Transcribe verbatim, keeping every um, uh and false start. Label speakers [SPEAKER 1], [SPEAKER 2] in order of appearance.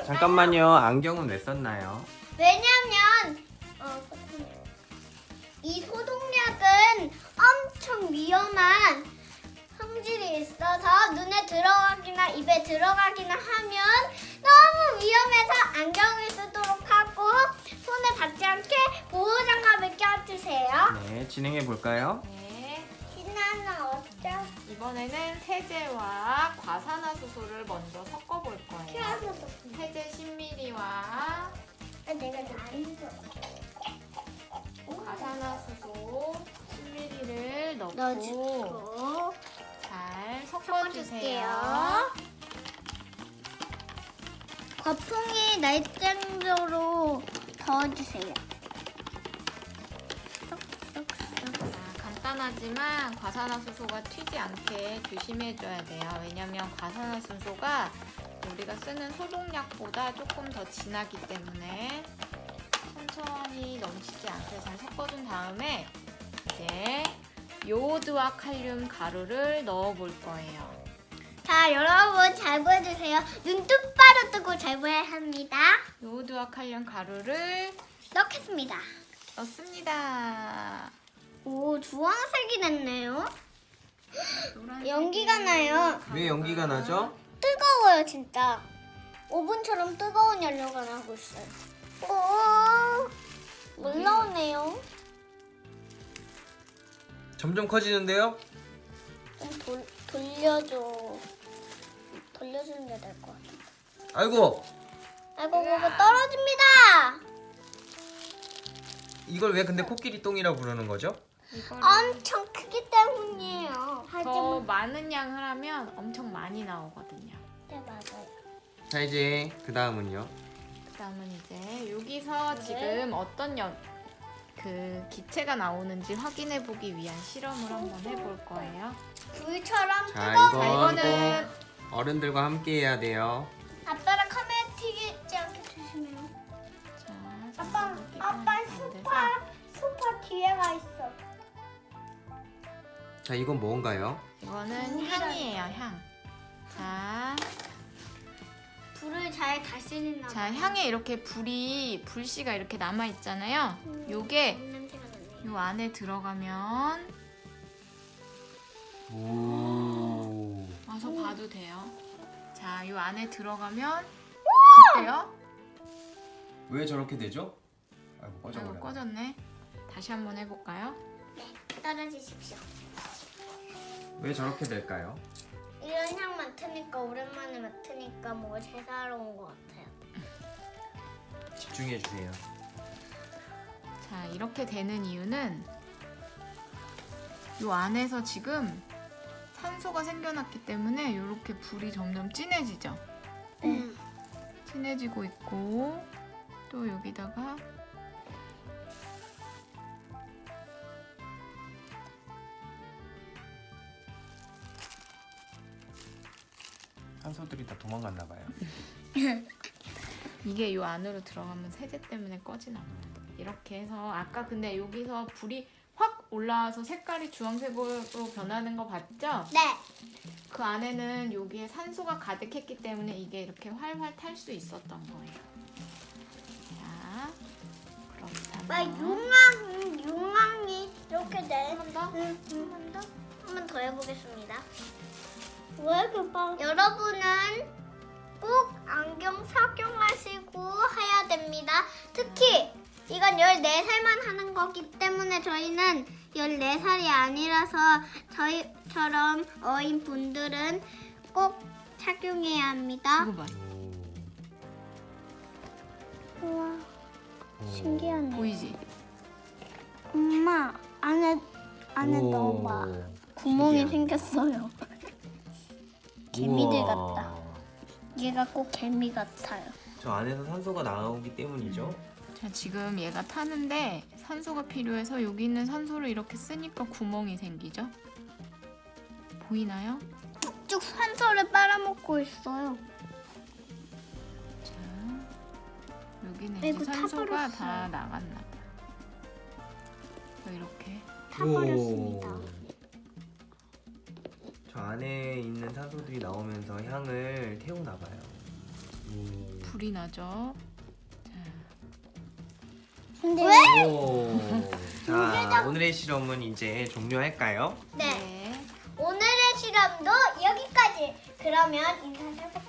[SPEAKER 1] 잠깐만요. 안경은 왜 썼나요?
[SPEAKER 2] 왜냐면 어, 이 소독약은 엄청 위험한 성질이 있어서 눈에 들어가기나 입에 들어가기나 하면 너무 위험해서 안경을 쓰도록 하고 손에 닿지 않게 보호장갑을 껴주세요.
[SPEAKER 1] 네, 진행해 볼까요?
[SPEAKER 3] 네,
[SPEAKER 2] 신나는 어쩌?
[SPEAKER 3] 이번에는 세제와 과산화수소를 먼저 섞어볼 거예요.
[SPEAKER 2] 튀어서
[SPEAKER 3] 세제 십 밀리리터와
[SPEAKER 2] 내가 안 줘.
[SPEAKER 3] 과산화수소 십 밀리리터를 넣고
[SPEAKER 2] 넣어주고
[SPEAKER 3] 잘
[SPEAKER 2] 섞어줄게요.
[SPEAKER 3] 섞어주세요.
[SPEAKER 2] 거품이 날 정도로 저어주세요.
[SPEAKER 3] 자, 간단하지만 과산화수소가 튀지 않게 조심해줘야 돼요. 왜냐면 과산화수소가 우리가 쓰는 소독약보다 조금 더 진하기 때문에 천천히 넘치지 않게 잘 섞어준 다음에 이제 요오드와 칼륨 가루를 넣어볼 거예요.
[SPEAKER 2] 자, 여러분 잘 보여주세요. 눈 똑바로 뜨고 잘 보여야 합니다.
[SPEAKER 3] 요오드와 칼륨 가루를
[SPEAKER 2] 넣겠습니다.
[SPEAKER 3] 넣습니다.
[SPEAKER 2] 오, 주황색이 됐네요.
[SPEAKER 3] 노란색이
[SPEAKER 2] 연기가 나요.
[SPEAKER 1] 왜 연기가 나죠?
[SPEAKER 2] 뜨거워요, 진짜. 오븐처럼 뜨거운 연료가 나고 있어요. 오, 물 나오네요.
[SPEAKER 1] 점점 커지는데요?
[SPEAKER 2] 좀 돌, 돌려줘. 돌려주는 게 될 것 같아.
[SPEAKER 1] 아이고,
[SPEAKER 2] 아이고, 그거 떨어집니다.
[SPEAKER 1] 이걸 왜 근데 코끼리 똥이라고 부르는 거죠?
[SPEAKER 3] 이거를
[SPEAKER 2] 엄청 크기 때문이에요.
[SPEAKER 3] 더
[SPEAKER 2] 하지만
[SPEAKER 3] 많은 양을 하면 엄청 많이 나오거든요.
[SPEAKER 2] 네, 맞아요.
[SPEAKER 1] 자, 이제 그 다음은요.
[SPEAKER 3] 그 다음은 이제 여기서 지금 어떤 연, 그 기체가 나오는지 확인해 보기 위한 실험을 한번 해볼 거예요.
[SPEAKER 2] 불처럼
[SPEAKER 1] 자,
[SPEAKER 2] 뜨거워.
[SPEAKER 1] 이거
[SPEAKER 3] 자, 이거는
[SPEAKER 1] 꼭 어른들과 함께 해야 돼요.
[SPEAKER 2] 아빠랑 카메라 튀지 않게 조심해요.
[SPEAKER 3] 자,
[SPEAKER 2] 아빠,
[SPEAKER 3] 여기가
[SPEAKER 2] 아빠
[SPEAKER 3] 안 돼서.
[SPEAKER 2] 소파, 소파 뒤에 와 있어.
[SPEAKER 1] 자, 이건 뭔가요?
[SPEAKER 3] 이거는 향이에요, 향. 자,
[SPEAKER 2] 불을 잘 다스리나 봐.
[SPEAKER 3] 자 향에 이렇게 불이 불씨가 이렇게 남아 있잖아요.
[SPEAKER 2] 음,
[SPEAKER 3] 요게
[SPEAKER 2] 냄새가 나네.
[SPEAKER 3] 요 안에 들어가면
[SPEAKER 1] 오.
[SPEAKER 3] 와서 봐도 돼요. 자, 요 안에 들어가면 어때요?
[SPEAKER 1] 왜 저렇게 되죠? 아이고,
[SPEAKER 3] 아이고,
[SPEAKER 1] 꺼져버려.
[SPEAKER 3] 꺼졌네. 다시 한번 해볼까요?
[SPEAKER 2] 떨어지십시오.
[SPEAKER 1] 왜 저렇게 될까요?
[SPEAKER 2] 이런 향 맡으니까 오랜만에 맡으니까 뭐가 제사로운 것 같아요.
[SPEAKER 1] 집중해 주세요.
[SPEAKER 3] 자, 이렇게 되는 이유는 요 안에서 지금 산소가 생겨났기 때문에 이렇게 불이 점점 진해지죠.
[SPEAKER 2] 네.
[SPEAKER 3] 진해지고 있고 또 여기다가
[SPEAKER 1] 산소들이 다 도망갔나 봐요.
[SPEAKER 3] 이게 요 안으로 들어가면 세제 때문에 꺼지나 봐요. 이렇게 해서 아까 근데 여기서 불이 확 올라와서 색깔이 주황색으로 변하는 거 봤죠?
[SPEAKER 2] 네.
[SPEAKER 3] 그 안에는 여기에 산소가 가득했기 때문에 이게 이렇게 활활 탈 수 있었던 거예요. 자,
[SPEAKER 2] 막
[SPEAKER 3] 그렇다면
[SPEAKER 2] 용왕, 용왕이 이렇게 돼.
[SPEAKER 3] 한 번 더?
[SPEAKER 2] 응, 응. 한 번 더? 한 번 더 해보겠습니다. 왜 이렇게 빠? 여러분은 꼭 안경 착용하시고 해야 됩니다. 특히 이건 열네 살만 하는 거기 때문에 저희는 열네 살이 아니라서 저희처럼 어린 분들은 꼭 착용해야 합니다.
[SPEAKER 3] 이거 봐.
[SPEAKER 2] 우와,
[SPEAKER 1] 오.
[SPEAKER 2] 신기하네.
[SPEAKER 3] 보이지?
[SPEAKER 2] 엄마, 안에, 안에
[SPEAKER 1] 오.
[SPEAKER 2] 넣어봐. 구멍이
[SPEAKER 1] 신기하네.
[SPEAKER 2] 생겼어요. 개미들
[SPEAKER 1] 우와.
[SPEAKER 2] 같다. 얘가 꼭 개미 같아요.
[SPEAKER 1] 저 안에서 산소가 나오기 때문이죠.
[SPEAKER 3] 자, 지금 얘가 타는데 산소가 필요해서 여기 있는 산소를 이렇게 쓰니까 구멍이 생기죠? 보이나요?
[SPEAKER 2] 쭉 산소를 빨아먹고 있어요.
[SPEAKER 3] 자, 여기는
[SPEAKER 2] 아이고,
[SPEAKER 3] 이제 산소가
[SPEAKER 2] 타버렸어요.
[SPEAKER 3] 다 나갔나 봐. 이렇게
[SPEAKER 2] 타버렸습니다.
[SPEAKER 1] 오. 저 안에 있는 산소들이 나오면서 향을 태우나 봐요. 오.
[SPEAKER 3] 불이 나죠.
[SPEAKER 2] 왜?
[SPEAKER 1] 오. 자, 오늘의 실험은 이제 종료할까요?
[SPEAKER 2] 네. 오늘의 실험도 여기까지. 그러면 인사를 해볼게요.